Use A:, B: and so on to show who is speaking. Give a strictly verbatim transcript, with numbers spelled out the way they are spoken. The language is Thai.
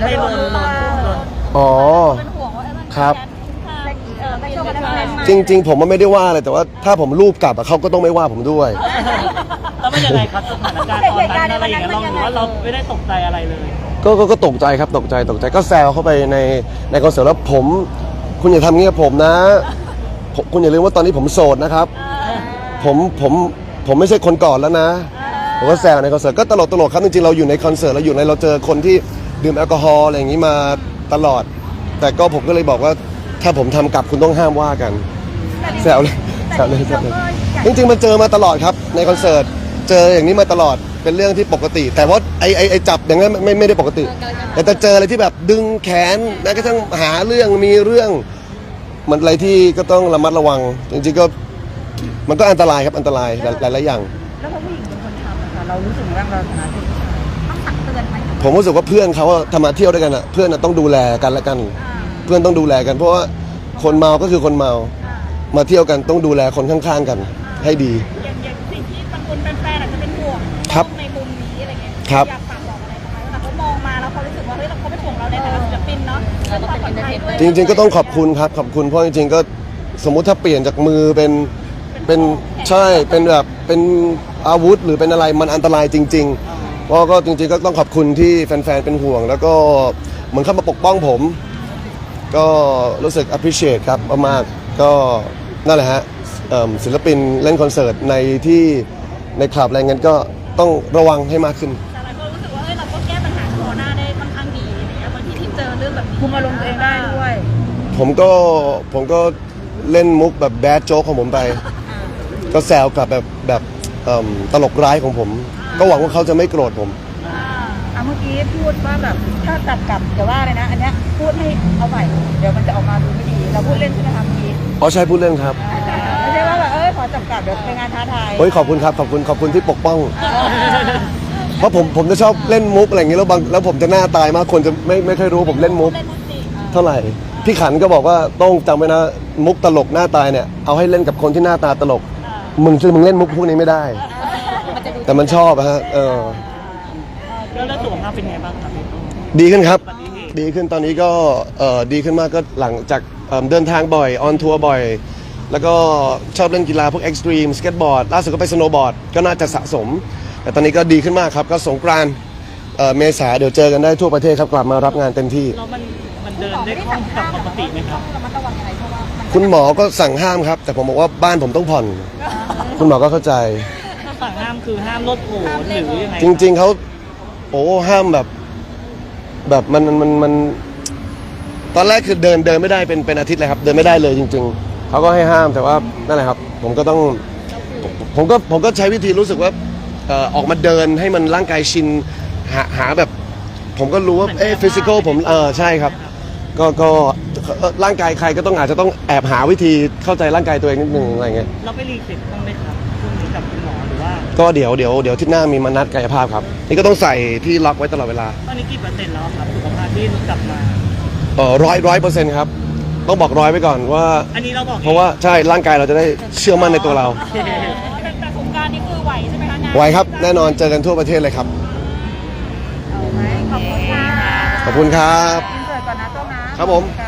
A: ไม่ลงลงลง
B: อ๋อ
C: เป็นห่วงว่าเออ
B: ครับ
C: เออไม่ชอบอะไรแบบนั้น
B: จริง ๆ ผมมันไม่ได้ว่าอะไรแต่ว่าถ้าผมรูปกลับอะเขาก็ต้องไม่ว่าผมด้วย
A: แล้วมันยังไงครับสถานการณ์ตอนนั้นอะไรอย่างเงี้ยเราหรือว่าเราไม่ได้ตกใจอะไรเลย
B: ก็ก็ก็ตกใจครับตกใจตกใจก็แซวเข้าไปในในคอนเสิร์ตแล้วผมคุณอย่าทำงี้กับผมนะผมคุณอย่าลืมว่าตอนนี้ผมโสดนะครับผมผมผมไม่ใช่คนก่อนแล้วนะผมก็แซวในคอนเสิร์ตก็ตลกตลกครับจริงๆเราอยู่ในคอนเสิร์ตเราอยู่ในเราเจอคนที่ดื่มแอลกอฮอล์อะไรอย่างนี้มาตลอด แต่ก็ผมก็เลยบอกว่าถ้าผมทำกลับคุณต้องห้ามว่ากันแซวเลยแซวเลยแซวเลยจริงๆมันเจอมาตลอดครับในคอนเสิร์ตเจออย่างนี้มาตลอดเป็นเรื่องที่ปกติ แต่ว่าไอไอไอจับอย่างนั้นไม่ไม่ได้ปกติ แต่จะเจออะไรที่แบบดึงแขนแม้กระทั่งหาเรื่องมีเรื่องมันอะไรที่ก็ต้องระมัดระวังจริงๆก็มันก็อันตรายครับอันตรายหลายหลายอย่าง
C: แล้วพอผู้หญิงเป็นคนทำนะคะเรารู้สึกว่าเราฐานะเป็นผู้ชายต้องตักเตือนไหม
B: ผมรู้สึกว่าเพื่อนเขาอะทำมาเที่ยวด้วยกันอะเพื่อนอะต้องดูแลกันและกัน เพื่อนต้องดูแลกัน เพราะว่าคนเมาก็คือคนเมามาเที่ยวกันต้องดูแลคนข้างๆกันให้ดี
C: อย่างอย่างสิ่งที่บางคนแฟนๆอาจจะเป็นห่วง
B: ครับ
C: ในมุมนี้อะไรเงี้ย
B: ครับ
C: อยากฝากบอกอะไรบ้างไหมแต่เขามองมาแล้วเขารู้สึกว่าเฮ้ยเขาเป็นห่วงเราในฐานะศิลปินเนาะเรื่องความปลอดภัยด้วย
B: จริงๆก็ต้องขอบคุณครับขอบคุณเพราะจริงๆก็สมมุติถ้าเปลี่ยนจากมือเป็นเป็นใช่เป็นแบบเป็นอาวุธหรือเป็นอะไรมันอันตรายจริงๆเพราะก็จริงๆก็ต้องขอบคุณที่แฟนๆเป็นห่วง แล้วก็เหมือนเข้ามาปกป้องผม ก็รู้สึก appreciate ครับมากๆก็นั่นแหละฮะเอิ่มศิลปินเล่นคอนเสิร์ตในที่ในคลับอะไรเงี้ยก็ต้องระวังให้มากขึ้น
C: แต่หลายคนรู้สึกว่าเฮ้ยเราก็แก้ปัญหาโควิดได้ค่อนข้างดีอะไรเงี้ยบางทีที่เจอเรื่องแบบนี้คุมอารมณ์ตัวเองได้ด้วย
B: ผมก็ผมก็เล่นมุกแบบแบดโจ๊กของผมไป ก็แซวกลับแบบแบบเอิ่มตลกร้ายของผม ก็หวังว่าเขาจะไม่โกรธผม
C: อ่าเมื่อกี้พูดว่าแบบถ้าตัดกลับเดี๋ยวว่าเลยนะ อันเนี้ยพูดให้เอาใหม่เดี๋ยวมันจะออกมาดูไม่ดีเราพูดเล่นใช่ไหมคะเมื่อกี้
B: อ๋อใช่พูดเล่นครับ
C: ไม่ใช่ว่าแบบเออขอจับกลับเดี๋ยวเป็นงานท้าทาย
B: เฮ้ยขอบคุณครับขอบคุณขอบคุณที่ปกป้อง เพราะผมผมจะชอบเล่นมุกอะไรอย่างเงี้ยแล้วบางแล้วผมจะหน้าตายมากคนจะไม่ไม่ค่อยรู้ผมเล่นมุก
C: เล่นมุกจริง
B: เท่าไหร่พี่ขันก็บอกว่าต้องจำไว้นะมุกตลกหน้าตายเนี่ยเอาให้เล่นกับคนที่หน้าตาตลกมึงจะมึงเล่นมุกพวกนี้ไม่ได้ แต่มันชอบอะฮะเออ
A: แล้วแล้วสุขภาพเป็นไงบ้างครับ
B: ดีขึ้นครับ ดีขึ้นตอนนี้ก็เอ่อดีขึ้นมากก็หลังจากเอิ่มเดินทางบ่อยออนทัวร์บ่อย แล้วก็ชอบเล่นกีฬาพวกเอ็กซ์ตรีมสเก็ตบอร์ดล่าสุดก็ไปสโนว์บอร์ดก็น่าจะสะสม แต่ตอนนี้ก็ดีขึ้นมากครับ ก็สงกรานต์เอ่อเมษาเดี๋ยวเจอกันได้ทั่วประเทศครับกลับมารับงานเต็มที่
A: แล้วมันมันเดินได้คล่องกับปกติไหมครับ
C: ระมัดระวังยังไงเพราะว่ามัน
B: คุณหมอก็สั่งห้ามครับ แต่ผมบอกว่าบ้านผมต้องผ่อน คุณหมอก็เข้าใจ
A: ถ้าสั่งห้ามคือห้ามรถโผล่หรือยังไง
B: จริง ๆเขาโอ้ห้ามแบบ แบบมันมันมันมันตอนแรกคือเดินเดินไม่ได้เป็นเป็นอาทิตย์เลยครับ เดินไม่ได้เลยจริง ๆเขาก็ให้ห้ามแต่ว่านั่นแหละครับ ผมก็ต้องผมผมก็ผมก็ใช้วิธีรู้สึกว่าเอ่อออกมาเดินให้มันร่างกายชินหาหาแบบ ผมก็รู้ว่าเอ๊ะฟิสิกอลผมเออใช่ครับ ก็ก็เอ่อร่างกายใครก็ต้องอาจจะต้องแอบหาวิธีเข้าใจร่างกายตัวเองนิดนึงอะไรเงี้ย
A: เราไปรีเซ็ตบ้างไหมครับช่วงนี้กับคุณหมอหรือว่า
B: ก็เดี๋ยวเดี๋ยวเดี๋ยวอาที่หน้ามีมานัดกายภาพครับนี่ก็ต้องใส่ที่ล็อกไว้ตลอดเวลา
A: ตอนนี้กี่เปอร์เซ็นต์แล้วครับสุขภาพที่กลับมา
B: เออร้อยร้อยเปอร์เซ็นต์ครับต้องบอกร้อยไว้ก่อนว่า
A: อันนี้เราบอก
B: เพราะว่าใช่ร่างกายเราจะได้เชื่อมั่นในตัวเรา
C: แต่สงกรานต์นี่คือไหวใช่ไหมคะงาน
B: ไหวครับแน่นอนเจอกันทั่วประเทศเลยครับ
C: เอาไหมขอบคุณค่ะ
B: ขอบคุณครับ
C: อินเสิร์ตก่อนนะโจ้นะครับ
B: ผม
C: ค่ะ